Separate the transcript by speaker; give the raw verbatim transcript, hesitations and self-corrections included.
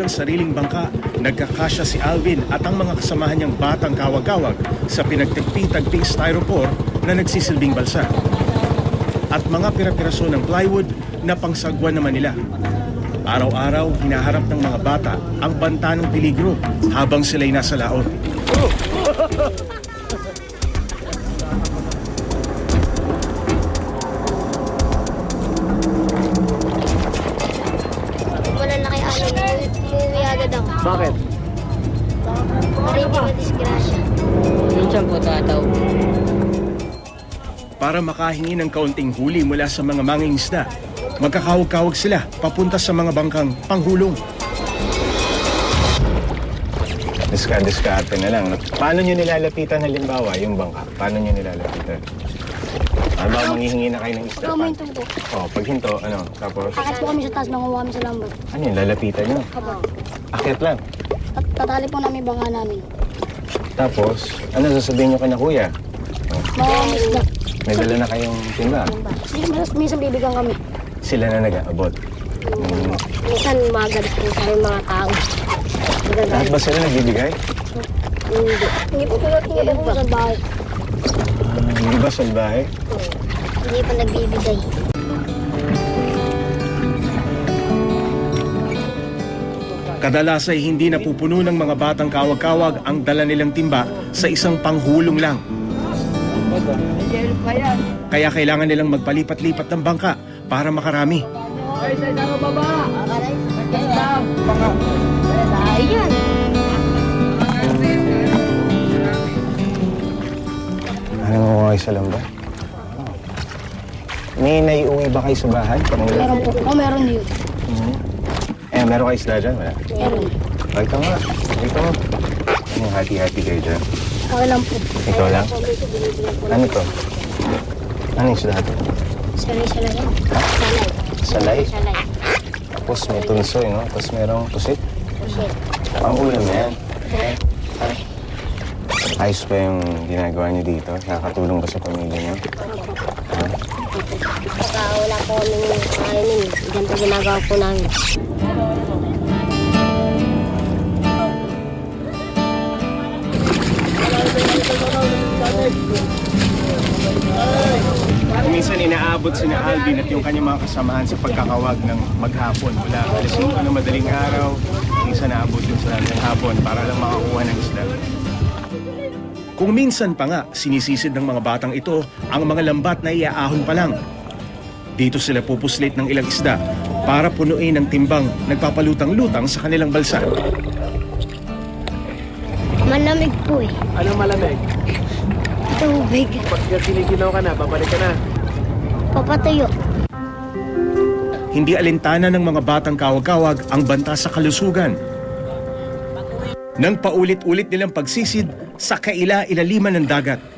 Speaker 1: ng sariling bangka, nagkakasya si Alvin at ang mga kasamahan niyang batang kawag-kawag sa pinagtagpi-tagpi styrofoam na nagsisilbing balsa. At mga pira-piraso ng plywood na pangsagwan naman nila. Araw-araw, hinaharap ng mga bata ang banta ng peligro habang sila'y nasa laot.
Speaker 2: Bakit?
Speaker 3: Para hindi madisgrasya.
Speaker 2: Minsan po tataw.
Speaker 1: Para makahingi ng kaunting huli mula sa mga mangingisda, magkakawag-kawag sila papunta sa mga bangkang panghulong.
Speaker 4: Diska-diskarte na lang. Paano nyo nilalapitan halimbawa yung bangka? Paano nyo nilalapitan? Ano ba, manghihingi na kayo ng isda?
Speaker 3: Pag huminto po.
Speaker 4: Oh, pag hinto, ano? Tapos,
Speaker 3: Akit po kami sa taas, manguha kami sa lambat.
Speaker 4: ano yun, lalapitan nyo?
Speaker 3: Opo.
Speaker 4: Akyat lang.
Speaker 3: Tat- Tatali po namin banga namin.
Speaker 4: Tapos, ano sasabihin nyo kay na kuya? Oh,
Speaker 3: Mga isda.
Speaker 4: may dala na kayong timba.
Speaker 3: Minsan, minsan bibigyan kami.
Speaker 4: Sila na nag-aabot. Hmm.
Speaker 3: Minsan magalit po sa rin mga tao.
Speaker 4: Lahat ba sila nagbibigay?
Speaker 3: Hindi. Hindi po po hindi po sa bahay.
Speaker 4: Ah, hindi ba salbahe?
Speaker 3: Hindi po nagbibigay.
Speaker 1: Kadalas ay hindi napupuno ng mga batang kawag-kawag ang dala nilang timba sa isang panghulong lang. Kaya kailangan nilang magpalipat-lipat ng bangka para makarami.
Speaker 3: Ayan.
Speaker 4: Ano mo kayo sa lamba? May naiuwi ba kayo sa bahay?
Speaker 3: Meron po. O meron yun.
Speaker 4: Eh, meron kayo isda dyan? Wala.
Speaker 3: Meron.
Speaker 4: Ay, ito nga. Ito. Anong hati-hati kayo dyan?
Speaker 3: Okay lang po.
Speaker 4: Ikaw lang? Ano to? Ano yung isda ito?
Speaker 3: Salay-salay yan.
Speaker 4: Ha?
Speaker 3: Salay.
Speaker 4: Salay?
Speaker 3: Salay.
Speaker 4: Tapos may tunsoy, no? Tapos merong pusit.
Speaker 3: Pusit.
Speaker 4: Ang ulam na yan. Ayos pa yung ginagawa niyo dito? Nakakatulong ba sa pamilya niyo? Ha?
Speaker 3: Pagka wala po kami kainin, ganito ginagawa po namin.
Speaker 1: Minsan inaabot si na Alvin at yung kanyang mga kasamahan sa pagkakawag ng maghapon mula alas singko ng madaling araw. Minsan naabot yun sa hapon para lang makakuha ng isda. Kung minsan pa nga, sinisisid ng mga batang ito ang mga lambat na iaahon pa lang. Dito sila pupuslit ng ilang isda para punuin ang timbang nagpapalutang-lutang sa kanilang balsa.
Speaker 3: Malamig po eh.
Speaker 2: Anong malamig?
Speaker 3: Tubig.
Speaker 2: Pag giniginaw ka na, babalik ka na.
Speaker 3: Papatuyo.
Speaker 1: Hindi alintana ng mga batang kawag-kawag ang banta sa kalusugan. Nang paulit-ulit nilang pagsisid sa kaila-ilaliman ng dagat.